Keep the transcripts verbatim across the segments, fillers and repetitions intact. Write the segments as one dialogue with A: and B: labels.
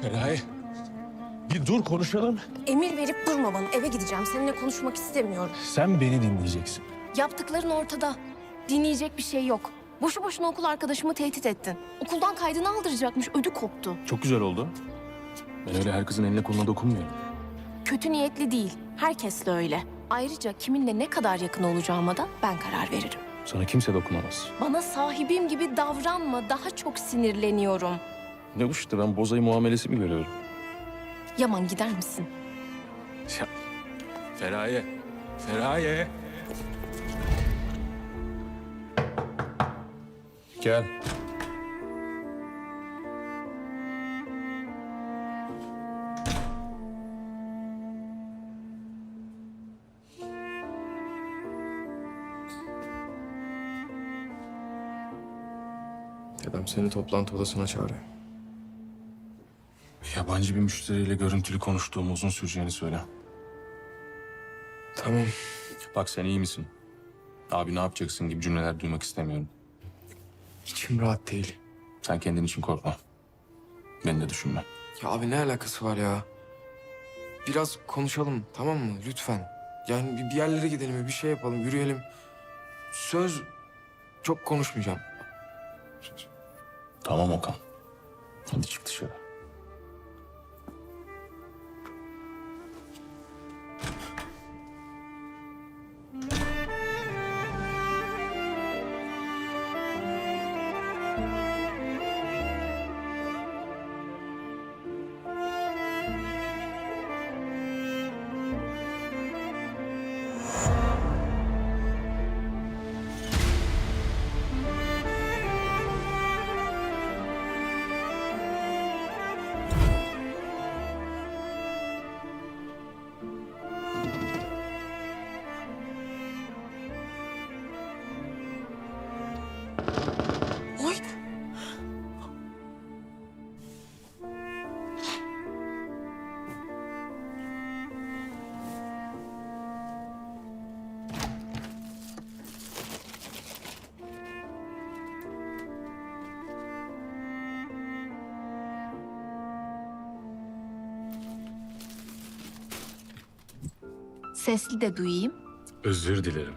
A: Feraye, bir dur konuşalım.
B: Emir verip durma bana. Eve gideceğim. Seninle konuşmak istemiyorum.
A: Sen beni dinleyeceksin.
B: Yaptıkların ortada. Dinleyecek bir şey yok. Boşu boşuna okul arkadaşımı tehdit ettin. Okuldan kaydını aldıracakmış. Ödü koptu.
A: Çok güzel oldu. Ben öyle her kızın eline koluna dokunmuyorum.
B: Kötü niyetli değil. Herkesle öyle. Ayrıca kiminle ne kadar yakın olacağıma da ben karar veririm.
A: Sana kimse dokunamaz.
B: Bana sahibim gibi davranma. Daha çok sinirleniyorum.
A: Ne bu işte, ben bozayı muamelesi mi görüyorum?
B: Yaman, gider misin?
A: Ya, Feraye, Feraye. Gel.
C: Dedem seni toplantı odasına çağırıyor.
A: Yabancı bir müşteriyle görüntülü konuştuğumuzun süreceğini söyle.
C: Tamam.
A: Bak, sen iyi misin? Abi ne yapacaksın gibi cümleler duymak istemiyorum.
C: İçim rahat değil.
A: Sen kendin için korkma. Beni de düşünme.
C: Ya abi ne alakası var ya? Biraz konuşalım, tamam mı? Lütfen. Yani bir- bir yerlere gidelim, bir şey yapalım, yürüyelim. Söz, çok konuşmayacağım. Söz.
A: Tamam Okan. Hadi çık dışarı.
B: Oy! Sesli de duyayım.
A: Özür dilerim.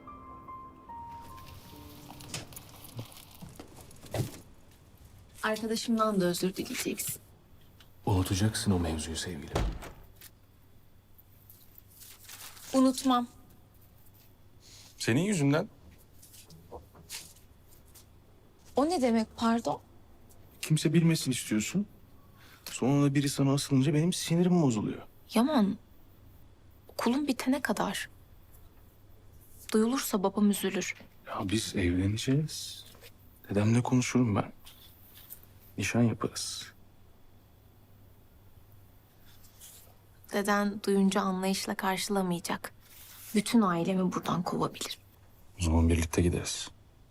B: Arkadaşımdan da özür dileyeceksin.
A: Unutacaksın o mevzuyu sevgilim.
B: Unutmam.
A: Senin yüzünden
B: O ne demek, pardon?
A: kimse bilmesin istiyorsun. Sonra da biri sana asılınca benim sinirim bozuluyor.
B: Yaman, okulun bitene kadar. Duyulursa babam üzülür.
A: Ya biz evleneceğiz. Dedemle konuşurum ben. Nişan yaparız.
B: Deden duyunca anlayışla karşılamayacak. Bütün ailemi buradan kovabilir.
A: O zaman birlikte gideriz.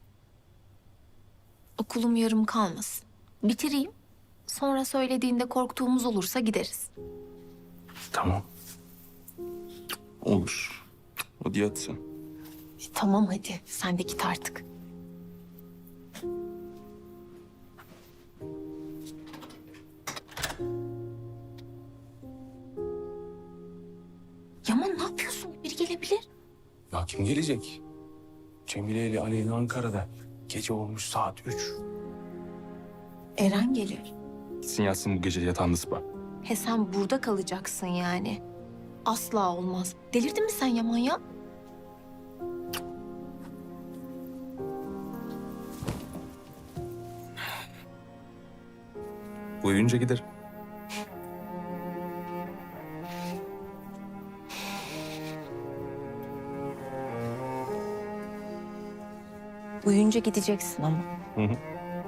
B: Okulum yarım kalmasın. Bitireyim. Sonra söylediğinde korktuğumuz olursa gideriz.
A: Tamam. Olur. Hadi yat sen.
B: E, tamam hadi. Sen de git artık. Yaman, ne yapıyorsun? Biri gelebilir.
A: Ya kim gelecek? Cemile ile Aleyna Ankara'da. Gece olmuş saat üç.
B: Eren gelir.
A: Gitsin yatsın bu gece yatağında sıpa.
B: He, sen burada kalacaksın yani. Asla olmaz. Delirdin mi sen Yaman ya?
A: Uyuyunca gider.
B: Uyuyunca gideceksin ama.
A: Hı hı.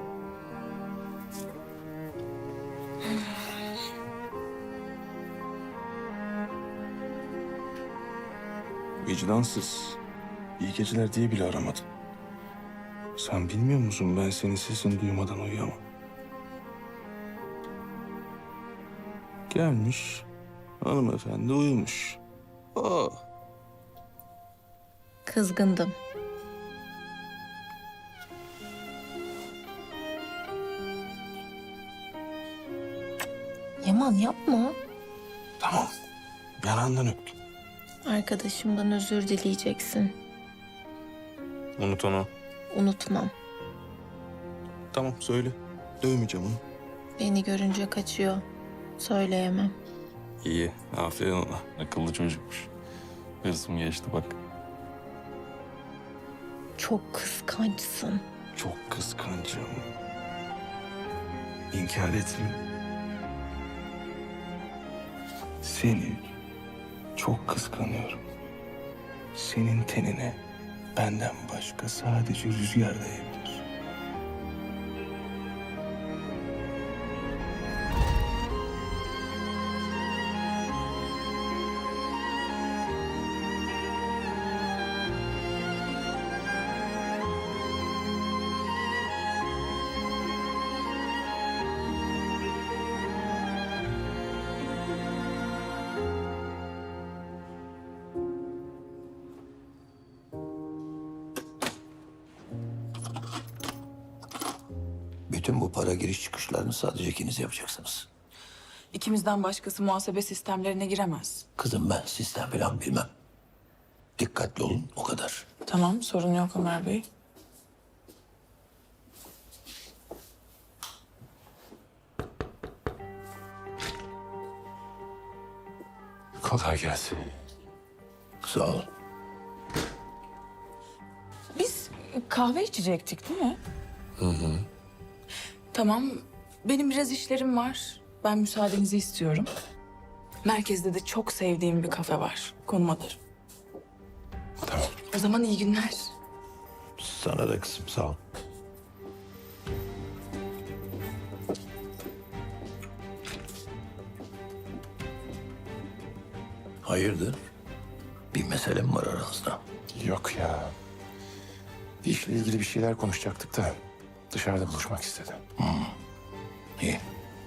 A: Vicdansız. İyi geceler diye bile aramadım. Sen bilmiyor musun, ben senin sesini duymadan uyuyamam. Gelmiş, hanımefendi uyumuş. Oh.
B: Kızgındım. Yaman yapma.
A: Tamam. Yanağından öptüm.
B: Arkadaşımdan özür dileyeceksin.
A: Unut onu.
B: Unutmam.
A: Tamam söyle. Dövmeyeceğim onu.
B: Beni görünce kaçıyor. Söyleyemem.
A: İyi. Aferin ona. Akıllı çocukmuş. Hırsım geçti bak.
B: Çok kıskançsın.
A: Çok kıskancım. İnkar etme. Seni çok kıskanıyorum. Senin tenine benden başka sadece rüzgar değebilir.
D: Bütün bu para giriş çıkışlarını sadece ikiniz yapacaksınız.
E: İkimizden başkası muhasebe sistemlerine giremez.
D: Kızım ben sistem falan bilmem. Dikkatli olun o kadar.
E: Tamam, sorun yok Ömer Bey.
A: Kolay gelsin.
D: Sağ olun.
E: Biz kahve içecektik değil mi? Hı hı. Tamam, benim biraz işlerim var. Ben müsaadenizi istiyorum. Merkezde de çok sevdiğim bir kafe var. Konum alırım.
A: Tamam.
E: O zaman iyi günler.
D: Sana da kızım sağ ol. Hayırdır? Bir mesele mi var aranızda?
A: Yok ya. İşle ilgili bir şeyler konuşacaktık da dışarıda buluşmak istedim.
D: İyi.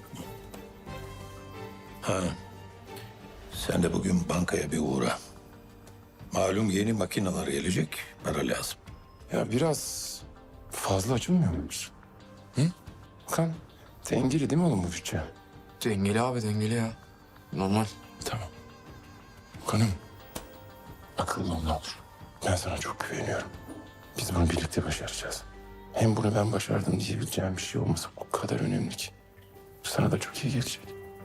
D: Ha. Sen de bugün bankaya bir uğra. Malum yeni makineler gelecek, para lazım.
A: Ya biraz fazla açılmıyor muyuz? Hı? Kan, dengeli değil mi oğlum bu bütçe?
C: Dengeli abi dengeli ya. Normal.
A: Tamam. Kanım, akıllı ol ne olur. Ben sana çok güveniyorum. Biz bunu birlikte başaracağız. Hem bunu ben başardım diyebileceğim bir şey olması o kadar önemli ki. Sana da çok iyi gelecek.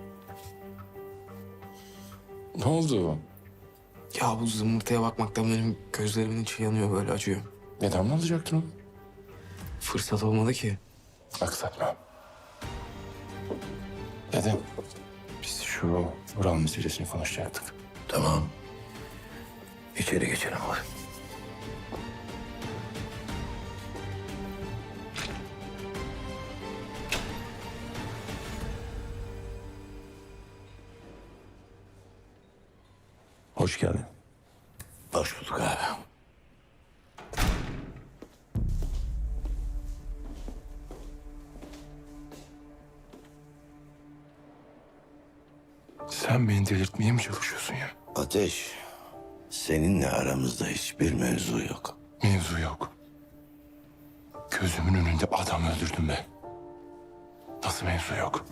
A: Ne oldu?
C: Ya bu zımbırtıya bakmaktan benim gözlerimin içi yanıyor böyle acıyor.
A: Neden mi alacaktın onu?
C: Fırsat olmadı ki.
A: Aksatma. Dedim, biz şu Vural meselesini konuşacaktık.
D: Tamam. İçeri geçelim hadi. Hoş geldin. Hoş bulduk abi.
A: Sen beni delirtmeye mi çalışıyorsun ya?
D: Ateş, seninle aramızda hiçbir mevzu yok.
A: Mevzu yok. Gözümün önünde adam öldürdüm ben. Nasıl mevzu yok?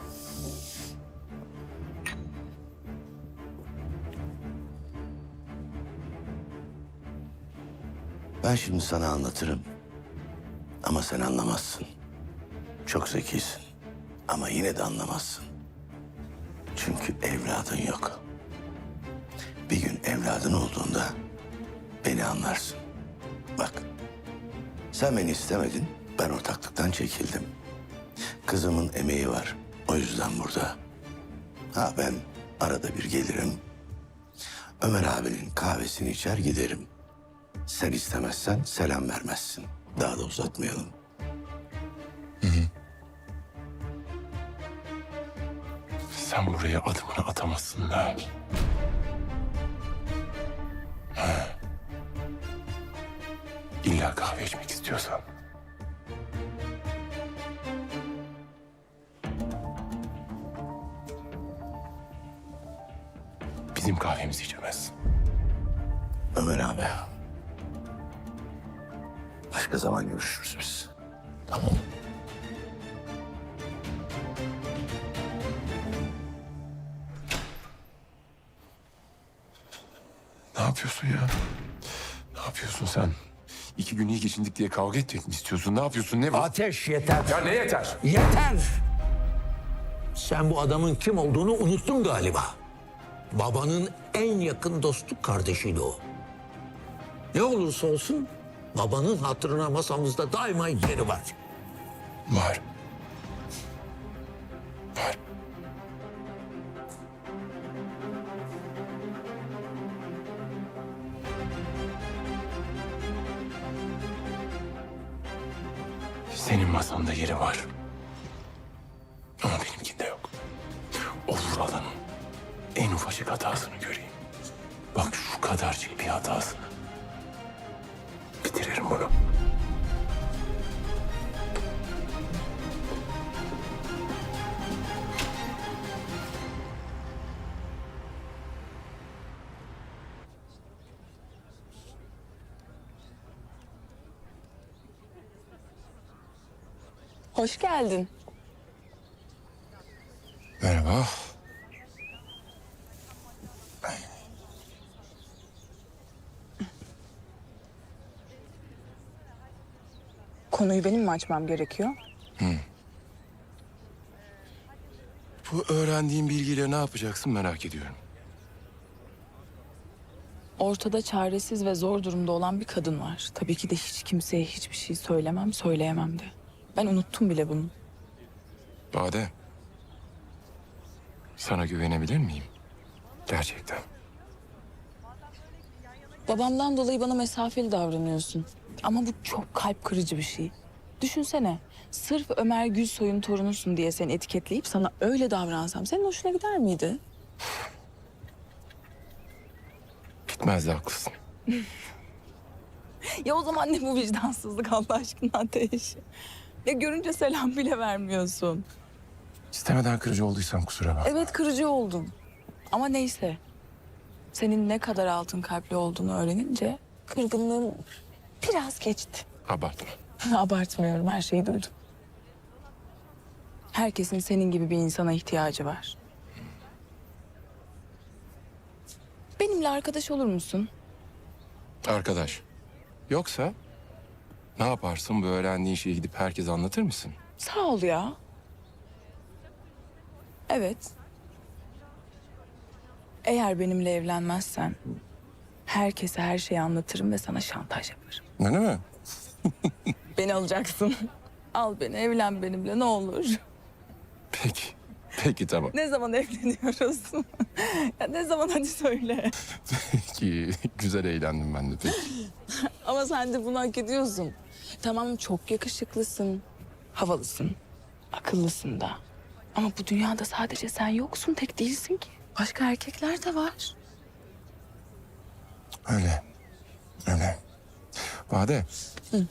D: Ben şimdi sana anlatırım. Ama sen anlamazsın. Çok zekisin. Ama yine de anlamazsın. Çünkü evladın yok. Bir gün evladın olduğunda beni anlarsın. Bak, sen beni istemedin, ben ortaklıktan çekildim. Kızımın emeği var, o yüzden burada. Ha ben arada bir gelirim. Ömer abinin kahvesini içer giderim. Sen istemezsen selam vermezsin. Daha da uzatmayalım.
A: Sen buraya adımını atamazsın da. Ha. İlla kahve içmek istiyorsan. Bizim kahvemizi içemezsin.
D: Ömer abi. Başka zaman görüşürüz biz. Tamam.
A: yapıyorsun ya? Ne yapıyorsun sen? İki gün iyi geçindik diye kavga etmek mi istiyorsun? Ne yapıyorsun? Ne bu?
F: Ateş yeter.
A: Ya ne yeter?
F: Yeter! Sen bu adamın kim olduğunu unuttun galiba. Babanın en yakın dostluk kardeşiydi o. Ne olursa olsun babanın hatırına masamızda daima yeri var.
A: Var. Var. Senin masanda yeri var. Ama benimkinde yok. O Vural'ın en ufacık hatasını göreyim. Bak şu kadarcık bir hatasını. Bitiririm bunu.
E: Hoş geldin.
A: Merhaba.
E: Konuyu benim mi açmam gerekiyor?
A: Bu öğrendiğin bilgiyle ne yapacaksın merak ediyorum.
E: Ortada çaresiz ve zor durumda olan bir kadın var. Tabii ki de hiç kimseye hiçbir şey söylemem, söyleyemem de. Ben unuttum bile bunu.
A: Bade. Sana güvenebilir miyim? Gerçekten.
E: Babamdan dolayı bana mesafeli davranıyorsun. Ama bu çok kalp kırıcı bir şey. Düşünsene, sırf Ömer Gülsoy'un torunusun diye seni etiketleyip sana öyle davransam senin hoşuna gider miydi?
A: Gitmez de haklısın.
E: Ya o zaman ne bu vicdansızlık Allah aşkına Ateş? Ya görünce selam bile vermiyorsun.
A: İstemeden kırıcı olduysam kusura bakma.
E: Evet kırıcı oldum. Ama neyse. Senin ne kadar altın kalpli olduğunu öğrenince kırgınlığım biraz geçti.
A: Abartma.
E: Abartmıyorum, her şeyi duydum. Herkesin senin gibi bir insana ihtiyacı var. Benimle arkadaş olur musun?
A: Arkadaş. Yoksa ne yaparsın bu öğrendiğin şeyi gidip herkese anlatır mısın?
E: Sağ ol ya. Evet. Eğer benimle evlenmezsen herkese her şeyi anlatırım ve sana şantaj yaparım.
A: Öyle mi?
E: Beni alacaksın. Al beni, evlen benimle ne olur.
A: Peki. Peki tamam.
E: Ne zaman evleniyoruz? Ya ne zaman hadi söyle.
A: Peki. Güzel eğlendim ben de peki.
E: Ama sen de bunu hak ediyorsun. Tamam çok yakışıklısın, havalısın, akıllısın da. Ama bu dünyada sadece sen yoksun, tek değilsin ki. Başka erkekler de var.
A: Öyle. Öyle. Bade.
E: Hı.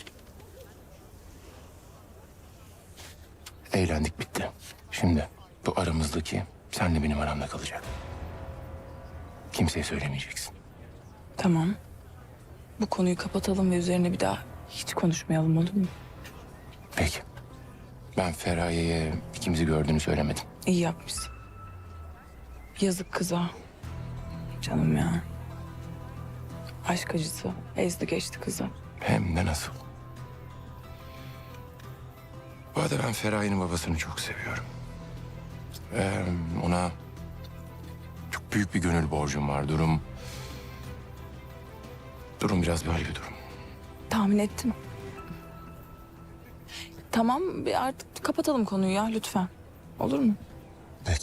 A: Eğlendik bitti. Şimdi bu aramızdaki senle benim aramda kalacak. Kimseye söylemeyeceksin.
E: Tamam. Bu konuyu kapatalım ve üzerine bir daha hiç konuşmayalım olur mu?
A: Peki. Ben Feraye'ye ikimizi gördüğünü söylemedim.
E: İyi yapmışsın. Yazık kıza. Canım ya. Aşk acısı ezdi geçti kızı.
A: Hem de nasıl. Bu arada ben Feraye'nin babasını çok seviyorum. Ee, ona çok büyük bir gönül borcum var. Durum... Durum biraz böyle bir durum.
E: Tahmin ettim. Tamam bir artık kapatalım konuyu ya lütfen. Olur mu?
A: Peki.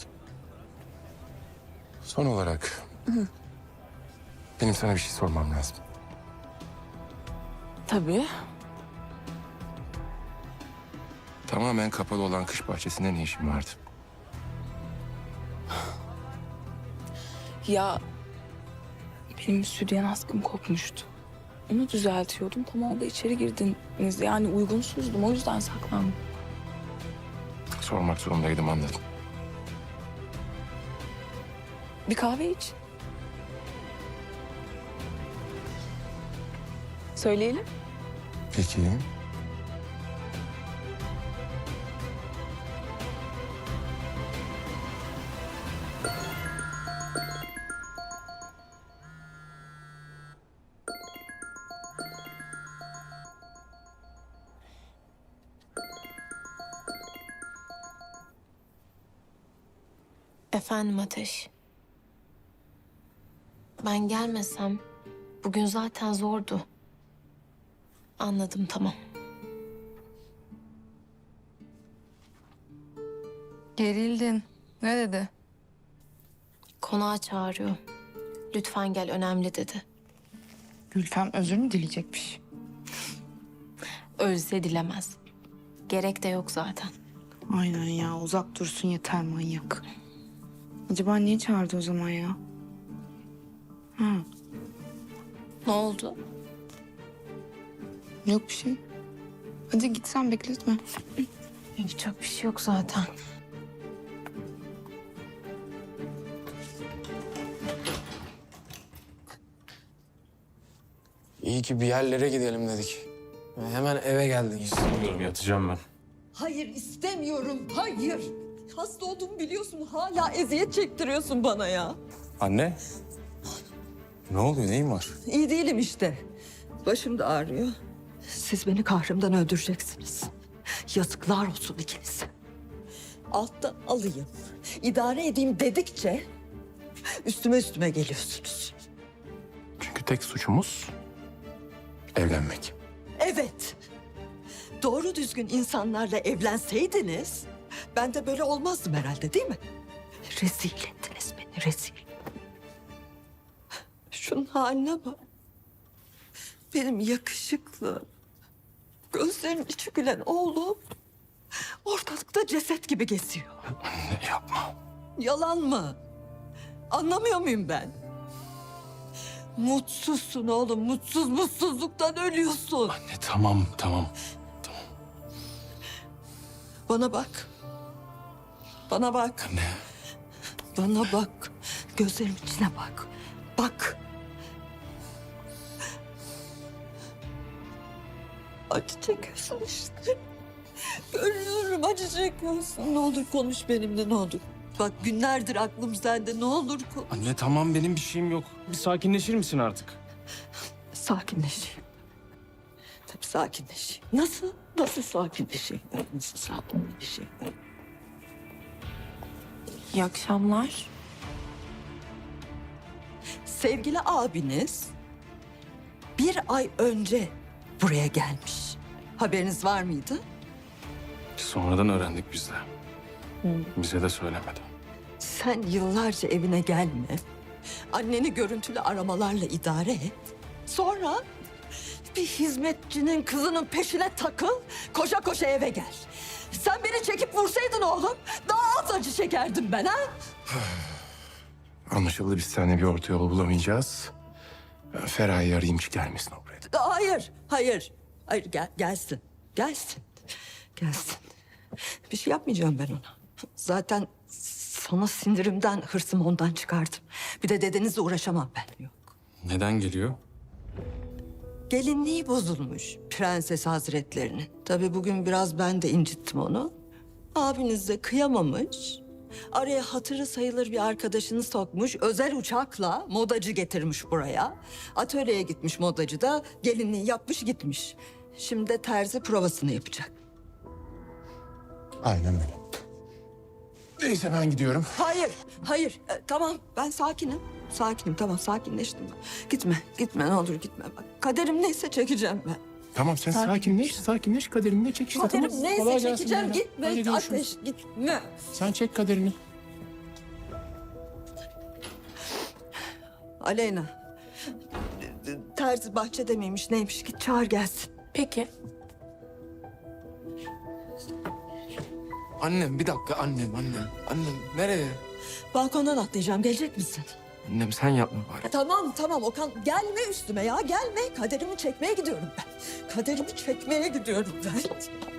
A: Son olarak... Benim sana bir şey sormam lazım.
E: Tabii.
A: Tamamen kapalı olan kış bahçesinde ne işin vardı?
E: Ya benim stüdyen askım kopmuştu. Onu düzeltiyordum. Tam orada içeri girdiniz. Yani uygunsuzdum. O yüzden saklandım.
A: Sormak zorundaydım anladım.
E: Bir kahve iç. Söyleyelim.
A: Peki.
B: Efendim Ateş. Ben gelmesem bugün zaten zordu. Anladım, tamam.
G: Gerildin. Ne dedi?
B: Konağa çağırıyor. Lütfen gel, önemli dedi.
G: Gülfem özür mü dileyecekmiş?
B: Ölse dilemez. Gerek de yok zaten.
G: Aynen ya, uzak dursun yeter, manyak. Acaba niye çağırdı o zaman ya? Ha,
B: Ne oldu?
G: yok bir şey. Hadi git sen, bekletme.
B: Yapacak bir şey yok zaten.
C: İyi ki bir yerlere gidelim dedik. Hemen eve geldiniz.
A: Bilmiyorum, yatacağım ben.
H: Hayır istemiyorum, hayır. Hasta olduğumu biliyorsun, hala eziyet çektiriyorsun bana ya.
A: Anne. Ne oluyor, neyin var?
H: İyi değilim işte. Başım da ağrıyor. Siz beni kahrımdan öldüreceksiniz. Yazıklar olsun ikinize. Alttan alayım, idare edeyim dedikçe üstüme üstüme geliyorsunuz.
A: Çünkü tek suçumuz evlenmek.
H: Evet. Doğru düzgün insanlarla evlenseydiniz ben de böyle olmazdım herhalde, değil mi? Rezil ettiniz beni, rezil. Şunun haline bak. Benim yakışıklı, gözlerinin içi gülen oğlum ortalıkta ceset gibi geziyor.
A: Anne yapma.
H: Yalan mı? Anlamıyor muyum ben? Mutsuzsun oğlum, mutsuz mutsuzluktan ölüyorsun.
A: Anne tamam, tamam.
H: Bana bak. Bana bak.
A: Anne.
H: Bana bak. Gözlerimin içine bak. Bak. Acı çekiyorsun işte. Görüyorum acı çekiyorsun. Ne olur konuş benimle, ne olur. Bak günlerdir aklım sende, ne olur konuş.
A: Anne tamam, benim bir şeyim yok. Bir sakinleşir misin artık?
H: Sakinleşeyim. Tabii sakinleşeyim. Nasıl? Nasıl sakinleşeyim? Nasıl sakinleşeyim?
B: İyi akşamlar.
H: Sevgili abiniz bir ay önce buraya gelmiş. Haberiniz var mıydı?
A: Sonradan öğrendik biz de. Bize de söylemedi.
H: Sen yıllarca evine gelme. Anneni görüntülü aramalarla idare et. Sonra bir hizmetçinin kızının peşine takıl, koşa koşa eve gel. Sen beni çekip vursaydın oğlum, daha az acı çekerdim ben ha.
A: Anlaşıldı, biz seninle bir orta yol bulamayacağız. Ben Feraye'yi arayayım, hiç gelmesin o buraya.
H: Hayır, hayır. Hayır, gel, gelsin. Gelsin. Gelsin. Bir şey yapmayacağım ben ona. Zaten sana sindirimden, hırsımı ondan çıkardım. Bir de dedenizle uğraşamam ben. Yok.
A: Neden geliyor?
H: Gelinliği bozulmuş Prenses Hazretlerinin. Tabii bugün biraz ben de incittim onu. Abiniz de kıyamamış. Araya hatırı sayılır bir arkadaşını sokmuş. Özel uçakla modacı getirmiş buraya. Atölyeye gitmiş modacı da gelinliği yapmış gitmiş. Şimdi de terzi provasını yapacak.
A: Aynen öyle. Neyse ben gidiyorum.
H: Hayır, hayır. E, tamam ben sakinim. Sakinim, tamam sakinleştim ben. Gitme, gitme ne olur gitme. Bak kaderim neyse çekeceğim ben.
A: Tamam sen sakinleş, sakinleş, kaderini çek işte.
H: Kaderim
A: tamam.
H: neyse
A: Kolay gelsin
H: çekeceğim.
A: Leyla.
H: Gitme
A: Hadi görüşürüz.
H: Ateş, gitme.
A: Sen çek kaderini.
H: Aleyna. Terzi bahçede miymiş neymiş git çağır gelsin.
B: Peki.
C: Annem bir dakika, annem annem. Annem nereye?
H: Balkondan atlayacağım gelecek misin?
C: Annem sen yapma bari.
H: Ya tamam tamam Okan gelme üstüme ya gelme. Kaderimi çekmeye gidiyorum ben. Kaderimi çekmeye gidiyorum ben.